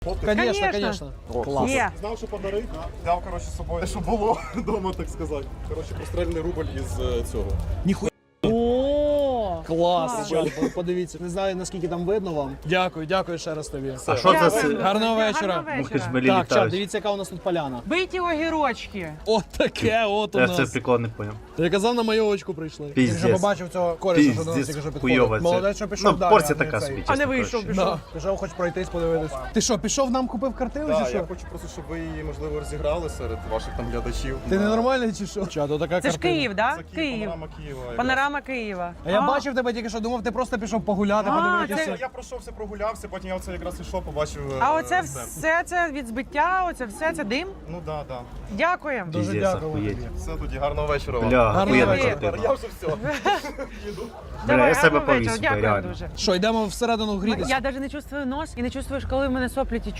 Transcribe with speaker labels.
Speaker 1: Конечно, конечно. Клас.
Speaker 2: Є.
Speaker 3: Знав, що подарить, взяв, коротше, з собою, що було вдома, так сказати. Коротше, простреляний рубль із цього.
Speaker 1: Ніхуя.
Speaker 2: О,
Speaker 1: Клас, чат, подивіться. Не знаю, наскільки там видно вам. Дякую ще раз тобі.
Speaker 4: А що це?
Speaker 2: Дякую.
Speaker 1: Гарного вечора.
Speaker 2: Гарного
Speaker 4: Мухи ж
Speaker 2: вечора.
Speaker 4: малі
Speaker 1: Так, чат,
Speaker 4: літають.
Speaker 1: дивіться, яка у нас тут поляна.
Speaker 2: Биті огірочки.
Speaker 1: От таке от у
Speaker 4: Я це
Speaker 1: нас.
Speaker 4: прикол не поняв.
Speaker 1: Я казав, на майовочку прийшли.
Speaker 5: Ти вже
Speaker 4: Піздець.
Speaker 5: побачив цього кореша, що до нас тільки що
Speaker 4: Піздець хуйова
Speaker 5: підходить.
Speaker 4: це.
Speaker 5: Молодець, що пішов
Speaker 4: Ну,
Speaker 5: далі.
Speaker 4: порція
Speaker 5: а не
Speaker 4: така
Speaker 5: цей.
Speaker 4: собі,
Speaker 2: А не
Speaker 4: чесно
Speaker 2: вийшов,
Speaker 4: кажучи.
Speaker 2: пішов.
Speaker 5: Пішов, хоч пройтись, подивитись.
Speaker 1: Ти що, пішов нам купив картину чи
Speaker 3: Так,
Speaker 1: що?
Speaker 3: я хочу просто, щоб ви її, можливо, розіграли серед ваших там глядачів.
Speaker 1: Ти ненормальний чи що? Чат, отака
Speaker 2: Це ж
Speaker 1: картина.
Speaker 2: Київ, да?
Speaker 3: Це
Speaker 2: Київ.
Speaker 3: Панорама Києва. якраз.
Speaker 2: Панорама Києва.
Speaker 1: А я бачив тебе тільки що, думав, ти просто пішов погуляти, подивитися.
Speaker 3: Я пройшовся, прогулявся, потім я оце якраз ішов, побачив.
Speaker 2: А оце
Speaker 3: стенд.
Speaker 2: все це від збиття, оце все це дим.
Speaker 3: Ну да, да.
Speaker 2: Дякуємо.
Speaker 5: Дуже
Speaker 4: Піздець,
Speaker 5: дякую
Speaker 4: охуєть.
Speaker 5: тобі.
Speaker 3: Все тоді, гарного вечора вам.
Speaker 4: Бля,
Speaker 1: Гарного
Speaker 4: охуєнна
Speaker 1: вечора.
Speaker 4: картина.
Speaker 3: Я вже все. Їду.
Speaker 4: Бля,
Speaker 2: Давай,
Speaker 4: я себе
Speaker 2: гарного вечора.
Speaker 4: повісив,
Speaker 2: Дякую
Speaker 4: реально.
Speaker 2: дуже.
Speaker 1: Що, йдемо всередину грітися?
Speaker 2: Я навіть не чувствую нос і не чувствую, коли в мене соплі тічуть.